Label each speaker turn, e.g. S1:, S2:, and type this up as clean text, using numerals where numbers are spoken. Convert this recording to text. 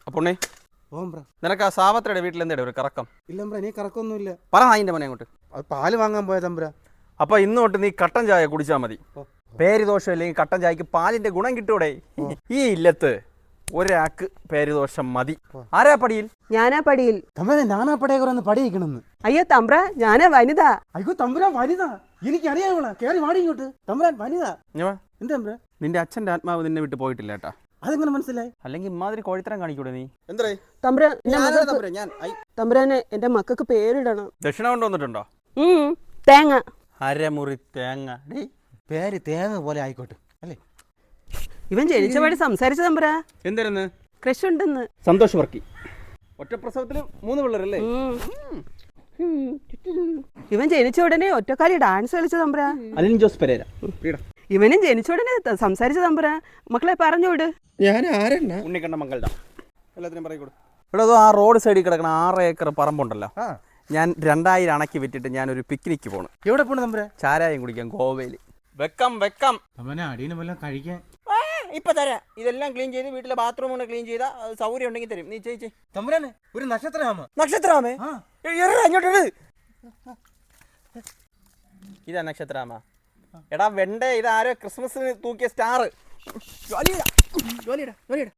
S1: അപ്പൊണ്ണേ നിനക്ക് ആ സാവത്രയുടെ വീട്ടിൽ എന്താ ഒരു കറക്കം?
S2: ഇല്ല നീ കറക്കൊന്നുമില്ല.
S1: പറ അതിന്റെ മോനെ അങ്ങോട്ട്.
S2: അത് പാല് വാങ്ങാൻ പോയ തമ്പ്ര.
S1: അപ്പൊ ഇന്ന് തൊട്ട് നീ കട്ടൻ ചായ കുടിച്ചാൽ മതി. പേരുദോഷം അല്ലെങ്കിൽ കട്ടൻ ചായക്ക് പാലിന്റെ ഗുണം കിട്ടൂടെ? ഈ ഇല്ലത്ത് ഒരാൾക്ക് പേരുദോഷം മതി. ആരാ പടിയിൽ?
S3: ഞാനാ പടിയിൽ.
S2: തമ്പ്ര ഞാനാ പടയെ കുറന്ന് പടിയിക്കണെന്ന്.
S3: അയ്യോ തമ്പ്ര, ഞാനാ വനിത.
S2: അയ്യോ തമ്പുരാൻ വനിത, എനിക്കറിയാമോളാ. കേറി വാടി ഇങ്ങോട്ട്. തമ്പുരാൻ വനിത. എന്താ തമ്പ്ര?
S1: നിന്റെ അച്ഛന്റെ ആത്മാവ് നിന്നെ വിട്ട് പോയിട്ടില്ല കേട്ടാ.
S2: അതെങ്ങനെ മനസ്സിലായി?
S1: അല്ലെങ്കിൽ ഇമാതിരി കോഴിത്തരം കാണിക്കൂടെ നീ?
S3: തമ്പ്രാനെ എന്റെ മക്കൾക്ക് പേരിടണം.
S1: ദക്ഷിണ കൊണ്ടുവന്നിട്ടുണ്ടോ?
S3: തേങ്ങ.
S1: അരമുറി തേങ്ങ.
S2: പേര് തേങ്ങ പോലെ ആയിക്കോട്ടെ അല്ലേ?
S3: ഇവൻ ജനിച്ചപാടി സംസാരിച്ച തമ്പ്രാ.
S1: എന്തായിരുന്നു?
S3: ക്രഷ് ഉണ്ടെന്ന്.
S1: സന്തോഷ് വർക്കി. ഒറ്റ പ്രസവത്തിൽ 3 പിള്ളേരല്ലേ?
S3: ഇവൻ ജനിച്ച ഉടനെ ഒറ്റക്കാലി ഡാൻസ് കളിച്ച തമ്പ്രാ.
S1: അലിൻ ജോസ് പെരേര.
S3: ഇവനും ജനിച്ച ഉടനെ സംസാരിച്ച തമ്പ്രാ. മക്കളെ പറഞ്ഞുവിട്.
S2: ഞാൻ ആരെണ്ണ?
S1: ഉണ്ണിക്കണ്ണ മംഗളുടെ എല്ലാത്തിനും പറയൂടെ. ഇവിടെ ആ റോഡ് സൈഡിൽ കിടക്കണ 6 ഏക്കർ പറമ്പുണ്ടല്ലോ, ഞാൻ 2000 അണക്കി വിറ്റിട്ട് ഞാനൊരു പിക്നിക്ക് പോണു.
S2: എവിടെ പോണു തമ്പ്ര?
S1: ചാരായം കുടിക്കാൻ ഗോവയിൽ. വെക്കം
S2: അടിയനെ വല്ലതും കഴിക്കാൻ
S1: ഇപ്പൊ തരാം. ഇതെല്ലാം ക്ലീൻ ചെയ്ത് വീട്ടിലെ ബാത്റൂം കൊണ്ട് ക്ലീൻ ചെയ്താൽ സൗകര്യം ഉണ്ടെങ്കിൽ തരും. നീ ചെയ്.
S2: തമ്പുരാനെ ഒരു നക്ഷത്രമാമ.
S1: നക്ഷത്രമാമേ? അങ്ങോട്ട് ഇതാ നക്ഷത്രമാമ. എടാ വെണ്ടേ, ഇതാരോ ക്രിസ്മസിന് തൂക്കിയ സ്റ്റാർ.